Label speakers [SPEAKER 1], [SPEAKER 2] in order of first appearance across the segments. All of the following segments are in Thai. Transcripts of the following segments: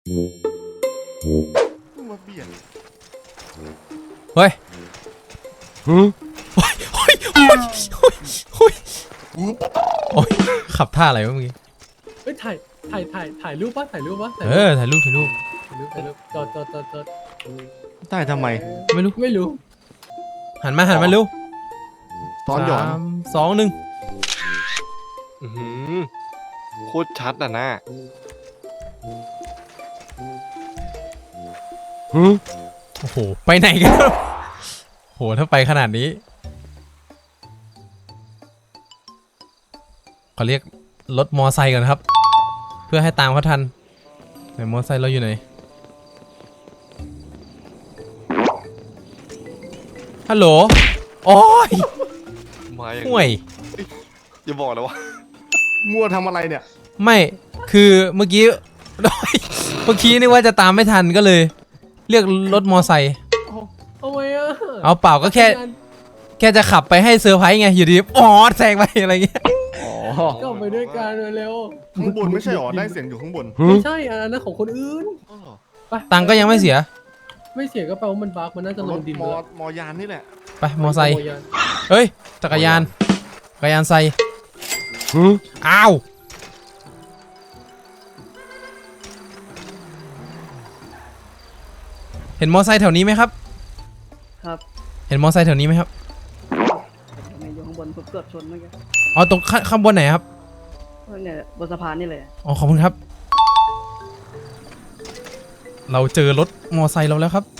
[SPEAKER 1] มาเบียด
[SPEAKER 2] เฮ้ยโอ้ยโอ้ยโอ้ยโอ้ยโอ้ยขับท่าอะไรวะเมื่อกี้
[SPEAKER 3] เฮ้ยถ่ายรูปปะถ่ายรูป
[SPEAKER 2] ถ่ายรูป
[SPEAKER 3] จอด
[SPEAKER 1] ได้ทำไม
[SPEAKER 3] ไม่รู้
[SPEAKER 2] หันมาเร็ว
[SPEAKER 1] ซ้อนหย่อน
[SPEAKER 2] 3 2 1
[SPEAKER 4] โคตรชัดอ่ะนะ
[SPEAKER 2] โอ้โหไปไหนกันโหถ้าไปขนาดนี้เขาเรียกรถมอไซค์ก่อนครับเพื่อให้ตามเขาทันไหนมอไซค์เราอยู่ไหนฮัลโหลโอ้ย
[SPEAKER 4] มาอย่าง
[SPEAKER 2] ห่วย
[SPEAKER 4] อย่าบอกนะว่า
[SPEAKER 1] มั่วทำอะไรเนี่ย
[SPEAKER 2] ไม่คือเมื่อกี้ นึกว่าจะตามไม่ทันก็เลย เรียกรถมอไซค์
[SPEAKER 3] เอาไว้อะ
[SPEAKER 2] เอาเปล่าก็แค่จะขับไปให้เซอร์ไพรส์ไงอยู่ดีอ๋อแซงไปอะไรเงี้ย
[SPEAKER 3] ก็ไปด้วยกันเร็ว
[SPEAKER 1] ข้างบนไม่ใช่หรอได้เสียงอยู่ข้างบน
[SPEAKER 3] ไม่ใช่อันนั้นของคนอื่น
[SPEAKER 2] ตังก็ยังไม่เสีย
[SPEAKER 3] ไม่เสียก็แปลว่ามันบั๊กมันน่าจะลงดิน
[SPEAKER 1] มอยานนี่แหละ
[SPEAKER 2] ไปมอไซค์เฮ้ยจักรยานไซค์อ้าวเห็นมอไซค์แถวนี้ไหมครับ
[SPEAKER 5] ครับ
[SPEAKER 2] เห็นมอไซค์แถวนี้ไหมครับ
[SPEAKER 5] อยู่ข้างบนผมเกือบชนเมื่อกี้
[SPEAKER 2] อ๋อตรงข้างบนไหนครับ
[SPEAKER 5] เนี่ยบนสะพานนี่เลย
[SPEAKER 2] อ๋อขอบคุณครับเราเจอรถมอไซค์เราแล้วครับ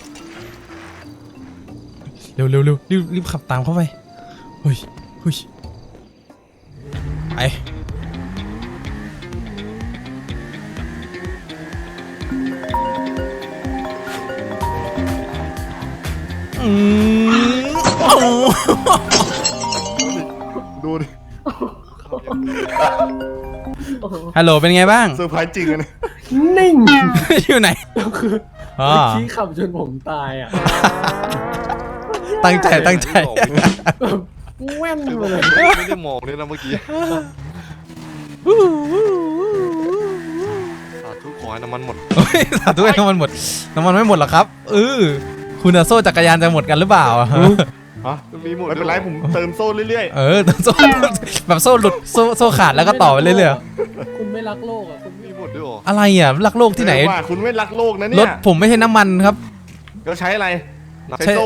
[SPEAKER 2] เร็วรีบขับตามเข้าไปเฮ้ยไป
[SPEAKER 1] ดูดิ
[SPEAKER 2] ฮัลโหลเป็นไงบ้าง
[SPEAKER 1] เซอร์ไพรส์จริงเลย
[SPEAKER 3] นิ่ง
[SPEAKER 2] อยู่ไหน
[SPEAKER 3] คือขี้ขับจนผมตายอ่ะ
[SPEAKER 2] ตั้งใจ
[SPEAKER 3] แว่นมาเลย
[SPEAKER 4] ไม่ได้มองเลยนะเมื่อกี้สาธุขอให้น้ำมันหมด
[SPEAKER 2] สาธุให้น้ำมันหมดน้ำมันไม่หมดหรอครับคุณโซ่จักรยานจะหมดกันหรือเปล่า
[SPEAKER 1] ฮะมีหมดไม่เป็นไรผมเติมโซ่เรื่อย
[SPEAKER 2] ๆเติมโซ่แบบโซ่หลุดโซ่ขาดแล้วก็ต่อไปเรื่อย
[SPEAKER 3] ๆคุณไม่รักโลกอ่ะคุณ
[SPEAKER 4] มีหมดด้วย
[SPEAKER 2] อะไรอ่ะรักโลกที่ไหน
[SPEAKER 1] ว่าคุณไม่รักโลกนะเนี่ย
[SPEAKER 2] รถผมไม่ใช่น้ำมันครับ
[SPEAKER 1] ก็ใช้อะไรใช้โซ่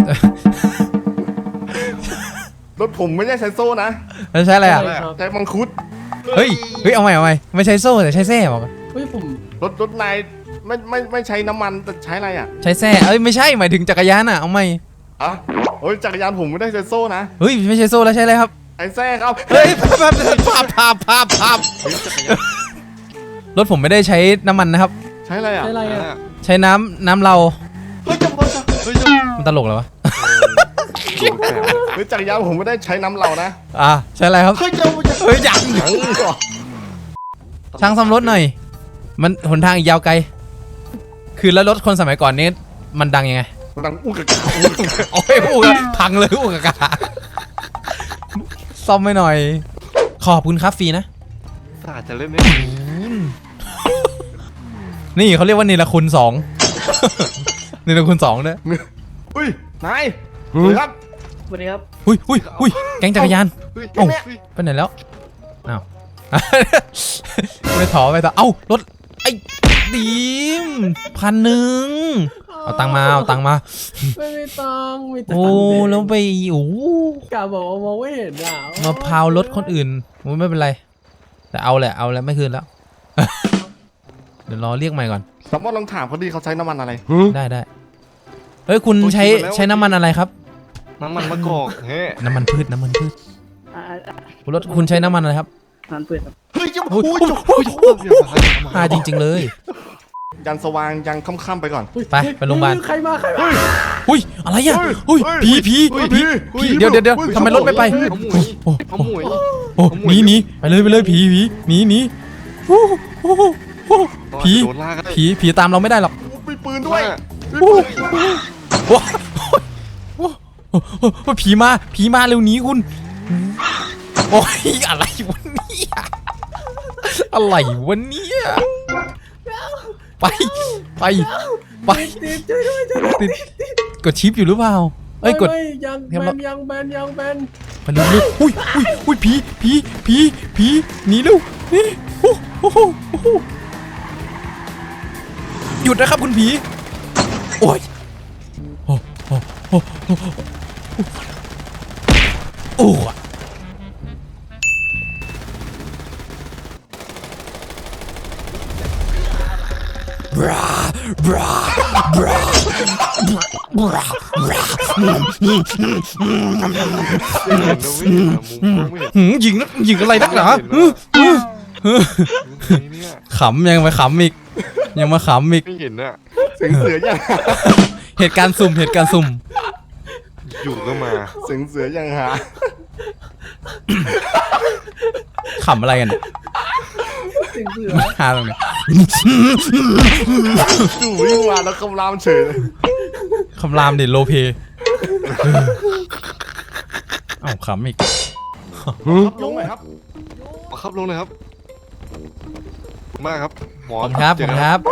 [SPEAKER 1] รถผมไม่ใช่ใช้โซ่นะ
[SPEAKER 2] แล้วใช้อะไรอ่ะ
[SPEAKER 1] ใช้มังคุด
[SPEAKER 2] เฮ้ยเอาใหม่ไม่ใช้โซ่แต่ใช้แส้บอก
[SPEAKER 3] เฮ้ยผม
[SPEAKER 1] รถนายไม่ใช้น้ำมันแต่ใช้อะไรอ่ะ
[SPEAKER 2] ใช้แส้ไม่ใช่หมายถึงจักรยานอ่ะเอาใหม่
[SPEAKER 1] โอ้ยจักรยานผมไม่ได้ใช้โซ่นะ
[SPEAKER 2] เฮ้ยไม่ใช่โซ่แล้วใช่อะไรครับ
[SPEAKER 1] ไอ้แส้ครับ
[SPEAKER 2] เฮ้ยภาพรถผมไม่ได้ใช้น้ำมันนะครับ
[SPEAKER 1] ใช้อะไรอ่ะ
[SPEAKER 2] ใช้น้ำเรามันตลกเหรอวะ
[SPEAKER 1] เฮ้ยจักรยานผมไม่ได้ใช้น้ำเรานะ
[SPEAKER 2] ใช้อะไรครับเฮ้ยยังช่างซ่อมรถหน่อยมันหนทางอีกยาวไกลคือแล้วรถคนสมัยก่อนนี้มันดังยังไง
[SPEAKER 1] ดังอุกกา
[SPEAKER 2] โอ้ยพังเลยอุกกาซ่อมไม่หน่อยขอบคุณครับฟรีนะ
[SPEAKER 4] สาจะเล่นได้
[SPEAKER 2] นี่เขาเรียกว่าเนรคุณ2เนรคุณ2เนี่ย
[SPEAKER 1] อุ้ยนายครับ
[SPEAKER 5] สวัสดีครับ
[SPEAKER 2] อุ้ยแก๊งจักรยานเอ้าไปไหนแล้วอ้าวไม่ถอไปต่อเอ้ารถไอ้ดีม1,000เอาตังมา
[SPEAKER 3] ไม่มีตัง
[SPEAKER 2] โอ้แล้วไป
[SPEAKER 3] กาบอกว่ามองไม่เห็นอ่ะ
[SPEAKER 2] มาพาวรถคนอื่นไม่เป็นไรแต่เอาแหละไม่คืนแล้วเดี๋ยวรอเรียกใหม่ก่อน
[SPEAKER 1] สมมติลองถามเขาดีเขาใช้น้ำมันอะไร
[SPEAKER 2] ได้เฮ้ยคุณใช้น้ำมันอะไรครับ
[SPEAKER 4] น้ำมันมะกอก
[SPEAKER 2] น้ำมันพืชรถคุณใช้น้ำมันอะไรครับ
[SPEAKER 5] น้ำมันพืชครับ
[SPEAKER 1] เฮ้ย
[SPEAKER 2] จริงเลย
[SPEAKER 1] ยันสว่างยังค่ำไปก่อน
[SPEAKER 2] ไปโรงพยาบาล
[SPEAKER 3] ใครมา
[SPEAKER 2] อุ้ยอะไรอ่ะผีเดี๋ยวทำไมรถไม่ไปหนีไปเลยผีหนีผีตามเราไม่ได้หรอก
[SPEAKER 1] มีปืนด้วย
[SPEAKER 2] ผีมาเร็วหนีคุณโอ้ยอะไรวะเนี่ยไปไปไป
[SPEAKER 3] ติดช่วยด้วยช่วยด้วย
[SPEAKER 2] ติดกดชิปอยู่หรือเปล่าเอ้ยกด
[SPEAKER 3] ไม่ยัง
[SPEAKER 2] เห็น
[SPEAKER 3] แบ
[SPEAKER 2] ปะ
[SPEAKER 3] นยังแบนยังแบน
[SPEAKER 2] มันลุกอุ้ยผีหนีเร็วนี่โอ้โหหยุดนะครับคุณผีโอ้ยโอ้โอ้โอ้โอ้โอ้บราบราบราบราบรา
[SPEAKER 4] ไม่เห็นนะไม่เห็นนะมุมไม่เห็น
[SPEAKER 2] ยิงอะไรนักหนา
[SPEAKER 4] เนี่ย
[SPEAKER 2] ขำยังมาขำอีกยังมาขำอีก
[SPEAKER 4] ไม่เห็นอะ
[SPEAKER 1] เสียงเสือยังหา
[SPEAKER 2] เหตุการณ์สุ่ม
[SPEAKER 4] อยู่ก็มา
[SPEAKER 1] เสียงเสือยังหา
[SPEAKER 2] ขำอะไรกันเนี่ย
[SPEAKER 3] เสียงเสือ
[SPEAKER 2] หาตรงนี้
[SPEAKER 1] จู่วิ่งมาแล้วคำรามเฉยเลย
[SPEAKER 2] คำรามเด็ดโลเพเอ้าขำอีก
[SPEAKER 1] ครับลงหน่อยครับ
[SPEAKER 4] ครับลงเลยครับมาครับหมอ
[SPEAKER 2] ขอบคุณครับ
[SPEAKER 4] เจ
[SPEAKER 2] ขอบ
[SPEAKER 4] อ
[SPEAKER 2] คุณ
[SPEAKER 4] กัน
[SPEAKER 2] ครับ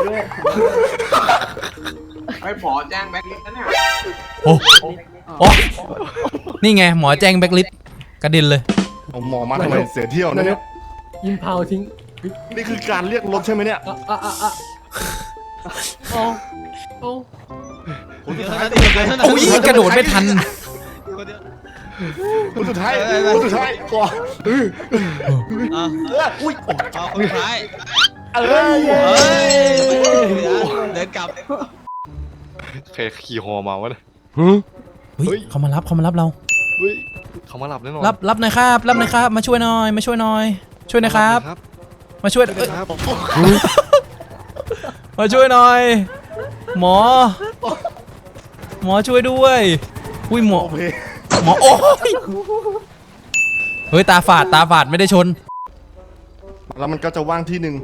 [SPEAKER 6] ไอ้หมอแจ้งแบ็คลิสต์นะเนี่ย
[SPEAKER 2] โอ้นี่ไงหมอแจ้งแบ็คลิสต์กระเด็นเลย
[SPEAKER 1] เอาหมอมาทำไมเสียเที่ยวนะเนี่ย
[SPEAKER 3] ยิงเผาทิ้ง
[SPEAKER 1] นี่คือการเรียกรถใช่ไหมเนี่ย
[SPEAKER 3] เอาเอา
[SPEAKER 1] คนสุดท้าย
[SPEAKER 2] โอ้ยกระโดดไม่ทัน
[SPEAKER 1] คนสุดท้ายคนสุดท้ายก่อน
[SPEAKER 6] อุ้ยเอาคนสุดท้าย
[SPEAKER 1] เอ้ย
[SPEAKER 6] เดินกลับ
[SPEAKER 4] ใครขี่ฮอมาวะเนี่ย
[SPEAKER 2] เฮ้ยเขามารับเรา
[SPEAKER 4] เฮ้ยเขามาหลับแน่นอน
[SPEAKER 2] รับหน่อยครับมาช่วยหน่อยช่วยหน่อยครับมาช่วย
[SPEAKER 4] ครับ
[SPEAKER 2] มาช่วยหน่อยหมอช่วยด้วยอุ้ยหมอ
[SPEAKER 1] โอเค
[SPEAKER 2] โอ้ยเฮ้ยตาฝาดไม่ได้ชน
[SPEAKER 1] แล้วมันก็จะว่างที่หนึ่ง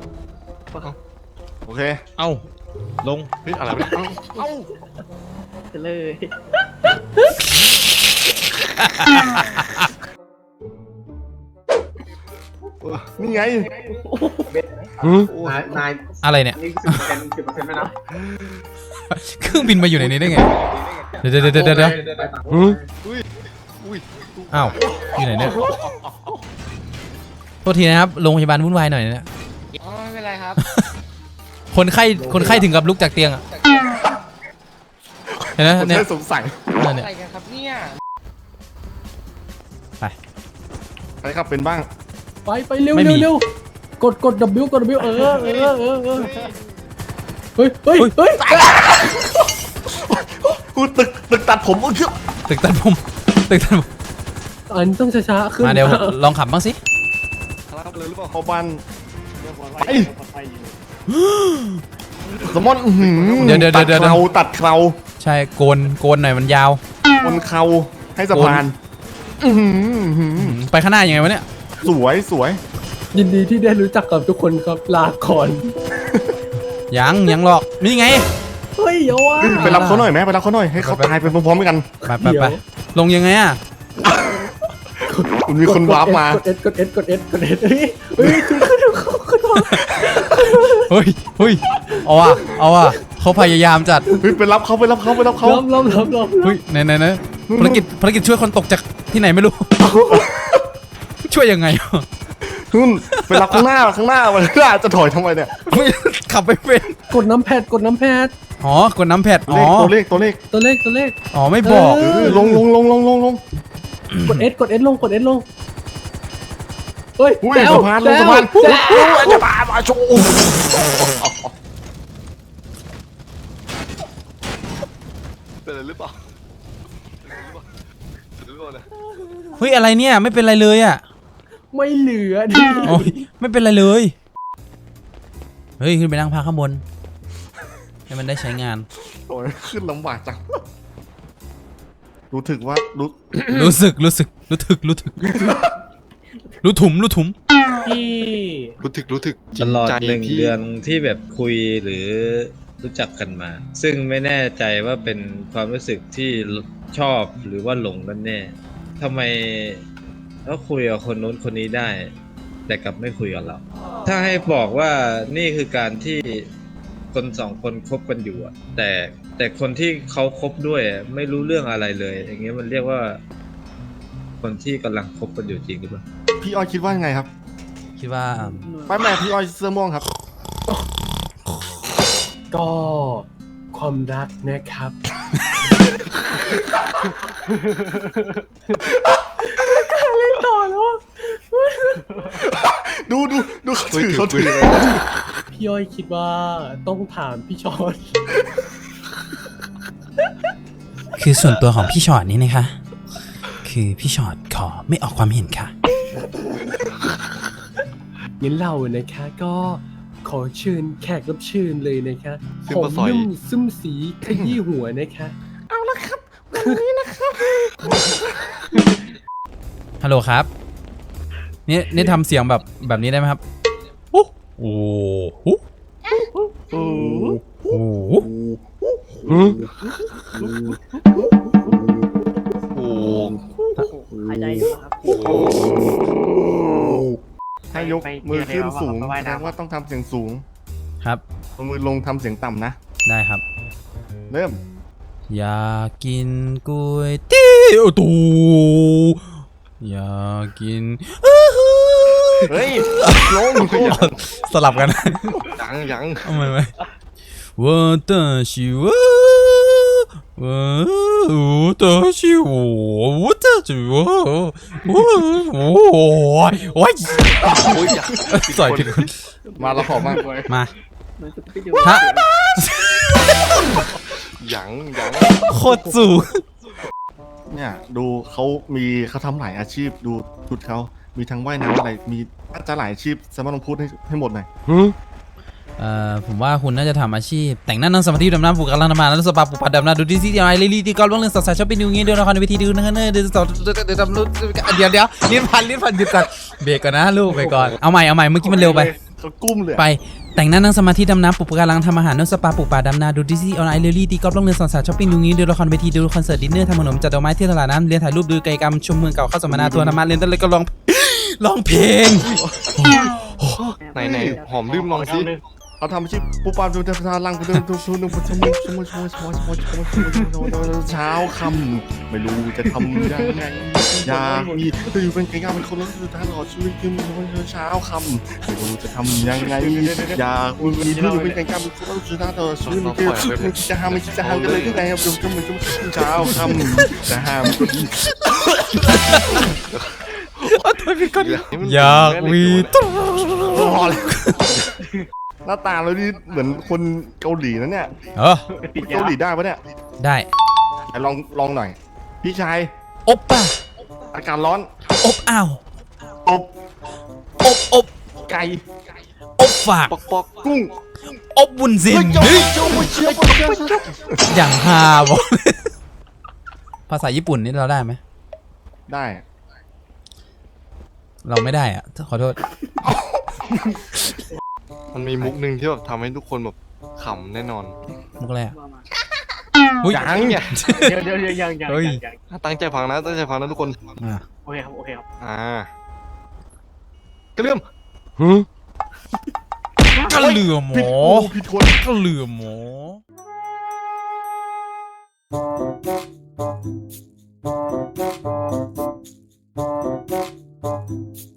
[SPEAKER 1] โอเค
[SPEAKER 6] เอ้าลง
[SPEAKER 4] เฮ้ยอะไรวะเนี่ยเอ้า
[SPEAKER 5] จะเลย
[SPEAKER 1] นี่ไง
[SPEAKER 6] นาย
[SPEAKER 2] อะไรเนี่ย
[SPEAKER 6] นี่10%ไหมนะ
[SPEAKER 2] เครื่องบินมาอยู่ในนี้ได้ไงเดี๋ยวอ้าวอยู่ไหนเนี่ยโทษทีนะครับโรงพยาบาลวุ่นวายหน่อยนะ
[SPEAKER 6] อ๋อไม่เป็นไรครับ
[SPEAKER 2] คนไข้ถึงกับลุกจากเตียงอ่ะเห็นไหม
[SPEAKER 1] ผม
[SPEAKER 2] เนี่ย
[SPEAKER 1] แค่สงสัย
[SPEAKER 2] นั่นเนี่ย
[SPEAKER 6] อะไรกันครับเนี่ย
[SPEAKER 2] ไป
[SPEAKER 1] ใครครับเป็นบ้าง
[SPEAKER 3] ไปเร็ว
[SPEAKER 2] ไม่มี
[SPEAKER 3] เร็วกด W กด W เออเฮ้ย
[SPEAKER 1] กูตึกตัดผมเชื่อ
[SPEAKER 2] ตึกตัดผม
[SPEAKER 3] อันต้องช้าๆขึ้น
[SPEAKER 2] มาเดี๋ยวลองขับบ้างสิ
[SPEAKER 4] ครับเลยหรือเปล่า
[SPEAKER 1] เข้าบ้านไปสมอน
[SPEAKER 2] เดี๋ยว
[SPEAKER 1] ตัดเครา
[SPEAKER 2] ใช่โกนหน่อยมันยาว
[SPEAKER 1] บนเขาให้สะพานอื้อหือ
[SPEAKER 2] ไปข้างหน้ายังไงวะเนี่ย
[SPEAKER 1] สวย
[SPEAKER 3] ยินดีที่ได้รู้จักกับทุกคนครับลาก่อน
[SPEAKER 2] ยังหรอกนี่ไง
[SPEAKER 3] เฮ้ยอย่าว่า
[SPEAKER 1] ไปรับเขาหน่อยไหมไปรับเขาหน่อยให้เขาตายไปพร้อมๆกัน
[SPEAKER 2] ไปลงยังไงอ่ะ
[SPEAKER 1] มันมีคนวาร์ปมา
[SPEAKER 3] กด S เฮ้ยขึ้นมา
[SPEAKER 2] เฮ้ยเอาว่ะเขาพยายามจัด
[SPEAKER 1] เฮ้ยไปรับเขา
[SPEAKER 3] ล้อม
[SPEAKER 2] เฮ้ยไหนภารกิจช่วยคนตกจากที่ไหนไม่รู้ ช่วยยังไง
[SPEAKER 1] นู่นไปรับข้างหน้ามันจะถอยทำไมเนี่ย
[SPEAKER 2] ไม่ขับไปเป็น
[SPEAKER 3] กดน้ำแพด
[SPEAKER 2] อ๋อกดน้ำแพดอ๋อ
[SPEAKER 1] ตัวเลข
[SPEAKER 3] ตัวเลข
[SPEAKER 2] อ๋อไม่บอก
[SPEAKER 1] ลง
[SPEAKER 3] กด S ลงเฮ้ย
[SPEAKER 1] อุ้ย
[SPEAKER 3] แจ๋ว
[SPEAKER 1] สะพานลงสะพาน
[SPEAKER 3] แจ๋ว
[SPEAKER 1] จะมาโชว์
[SPEAKER 4] เป็นอะไรหรือเปล่าเนี่ย
[SPEAKER 2] เฮ้ยอะไรเนี่ยไม่เป็นไรเลยอ่ะ
[SPEAKER 3] ไม่เหลือดิ
[SPEAKER 2] โอ้ยไม่เป็นไรเลย เฮ้ยขึ้นไปนั่งพักข้างบนให้มันได้ใช้งาน
[SPEAKER 1] โอ้ยขึ้นลำบากจังรู้ถึกว่ารู้
[SPEAKER 2] รู้ถึกรู้ถุม
[SPEAKER 6] ที่
[SPEAKER 4] รู้ถึก
[SPEAKER 7] ตลอด
[SPEAKER 4] ใจ
[SPEAKER 7] 1
[SPEAKER 4] พี่
[SPEAKER 7] เดือนที่แบบคุยหรือรู้จักกันมา ซึ่งไม่แน่ใจว่าเป็นความรู้สึกที่ชอบหรือว่าหลงกันแน่ทำไมเขาคุยกับคนนู้นคนนี้ได้ แต่กลับไม่คุยกับเรา ถ้าให้บอกว่านี่คือการที่คนสองคนคบกันอยู่อะแต่คนที่เขาคบด้วยอะไม่รู้เรื่องอะไรเลย อย่างเงี้ยมันเรียกว่า คนที่กำลังคบกันอยู่จริงหรือเปล่า
[SPEAKER 1] พี่อ้อยคิดว่าไงครับ
[SPEAKER 2] คิดว่า
[SPEAKER 1] ไม่แม่พี่อ้อยเสื้อม่วงครับ
[SPEAKER 3] ก็ความรักนะครับ เล่นต่อแล้วอะ
[SPEAKER 1] ดูเขาถือ
[SPEAKER 3] พี่ย้อยคิดว่าต้องถามพี่ชอน
[SPEAKER 2] คือส่วนตัวของพี่ชอตนี่นะคะ คือพี่ชอตขอไม่ออกความเห็นค่ะ
[SPEAKER 3] งั้นเรานะคะก็ขอเชิญแขกรับเชิญเลยนะคะ
[SPEAKER 4] ซึ่ง
[SPEAKER 3] ผม
[SPEAKER 4] มาสอย
[SPEAKER 3] นุ่มซึมสีขยี้หัวนะคะ
[SPEAKER 2] ฮัลโหลครับ นี่ทำเสียงแบบนี้ได้ไหมครับโอ้โหโอ้โห
[SPEAKER 4] โอ้
[SPEAKER 5] หายใจอยู่ครับ
[SPEAKER 1] ให้ยกมือขึ้นสูงแสดงว่าต้องทำเสียงสูง
[SPEAKER 2] ครับ
[SPEAKER 1] เอามือลงทำเสียงต่ำนะ
[SPEAKER 2] ได้ครับ
[SPEAKER 1] เริ่ม
[SPEAKER 2] อยากกินก๋วยเตี๋ยวตูอยากกิน
[SPEAKER 1] เฮ้ยลง
[SPEAKER 2] สลับกัน
[SPEAKER 4] ยัง
[SPEAKER 2] ทำไมไหม我的是我的是我的是我โอ้ย
[SPEAKER 4] โอ้ยอย่า
[SPEAKER 2] ใส่ผิดคน
[SPEAKER 1] มาเราขอมาก
[SPEAKER 2] มา
[SPEAKER 5] เหมือนจะไปดู
[SPEAKER 2] ฮะ
[SPEAKER 4] ยัง
[SPEAKER 2] โคตรสูง
[SPEAKER 1] เนี่ยดูเขาทำหลายอาชีพดูชุดเขามีทั้งว่ายน้ำอะไรมีน่าจะหลายอาชีพสามารถลองพูดให้หมดหน่อย
[SPEAKER 2] ผมว่าคุณน่าจะทำอาชีพแต่งหน้านั่งสมาธิดำน้ำปลูกกำลังทำงานแล้วสปาปลูกผัดดำน้ำดูดีซีอะไรลีดีกอล์ฟเรื่องสาวๆชอบไปดูงี้เดี๋ยวละครในเวทีดูนะเดี๋ยวลิ้นพันหยุดก่อนเบรกก่อนนะลูกเบรกก่อนเอาใหม่เมื่อกี้มันเร็วไป
[SPEAKER 1] เขากุ้มเลย
[SPEAKER 2] ไปแต่งหน้านั่งสมาธิดำน้ำปลูกกำลังทำอาหารนั่งสปาปลูกป่าดำนาดูดิสนีย์ออนไลน์เรลลี่ตีกอล์ฟล่องเรือสาวๆช้อปปิ้งดูงี้ดูละครเวทีดูคอนเสิร์ตดินเนอร์ทำขนมจัดดอกไม้ที่ตลาดน้ำเรียนถ่ายรูปดูกิจกรรมชมเมืองเก่าเข้าสัมมนาทัวร์ธรรมะเรียนต้นเลยก็ร้องเพลง
[SPEAKER 4] ไหนหอมลืมลองสิ
[SPEAKER 1] เขาทำอาชีพปุ๊บปั๊บดูทาลังไปดูเช้าคำไม่รู้จะทำยังไงอยากมีจะอยู่เป็นไก่งามเป็นคนรักสุดท้ายตลอดชีวิตคือเช้าคำไม่รู้จะทำยังไงอยากมีจะอยู่เป็นไก่งามเป็นคนรักสุดท้ายตลอดชีวิตคือไม่คิดจะห้ามกันเลยที่ไหนครับเช้าคำจะห้ามก็ดี
[SPEAKER 2] อยากมีตัว
[SPEAKER 1] พอเลยหน้าตาเรานี่เหมือนคนเกาหลีนะเนี่ยเกาหลีได้ปะเนี่ย
[SPEAKER 2] ได้
[SPEAKER 1] ลองหน่อยพี่ชาย
[SPEAKER 2] อบป่ะ
[SPEAKER 1] อากาศร้อน
[SPEAKER 2] อบอ้าว
[SPEAKER 1] อบ
[SPEAKER 2] อบ
[SPEAKER 1] ไก่
[SPEAKER 2] อบฝาก
[SPEAKER 4] ปอก
[SPEAKER 1] กุ้ง
[SPEAKER 2] อบบุญสิน
[SPEAKER 1] เจ้าเชื่อ
[SPEAKER 2] อย่างฮาบอกภาษาญี่ปุ่นนี่เราได้ไหม
[SPEAKER 1] ได้
[SPEAKER 2] เราไม่ได้อะขอโทษ
[SPEAKER 4] มันมีมุกหนึ่งที่แบบทำให้ทุกคนแบบขำแน่นอน
[SPEAKER 2] มุกอะไรอะ
[SPEAKER 5] ว่ามา
[SPEAKER 2] อุ๊ย
[SPEAKER 1] ยัง
[SPEAKER 3] เดี๋ยวยัง
[SPEAKER 2] เฮ้ย
[SPEAKER 4] ตั้งใจฟังนะทุกคน
[SPEAKER 2] อ่ะ
[SPEAKER 3] โอเคครับ
[SPEAKER 4] กระเลื่อม
[SPEAKER 2] กระเหลือหมอ
[SPEAKER 1] ผิดคน
[SPEAKER 2] กระเหลือหมอ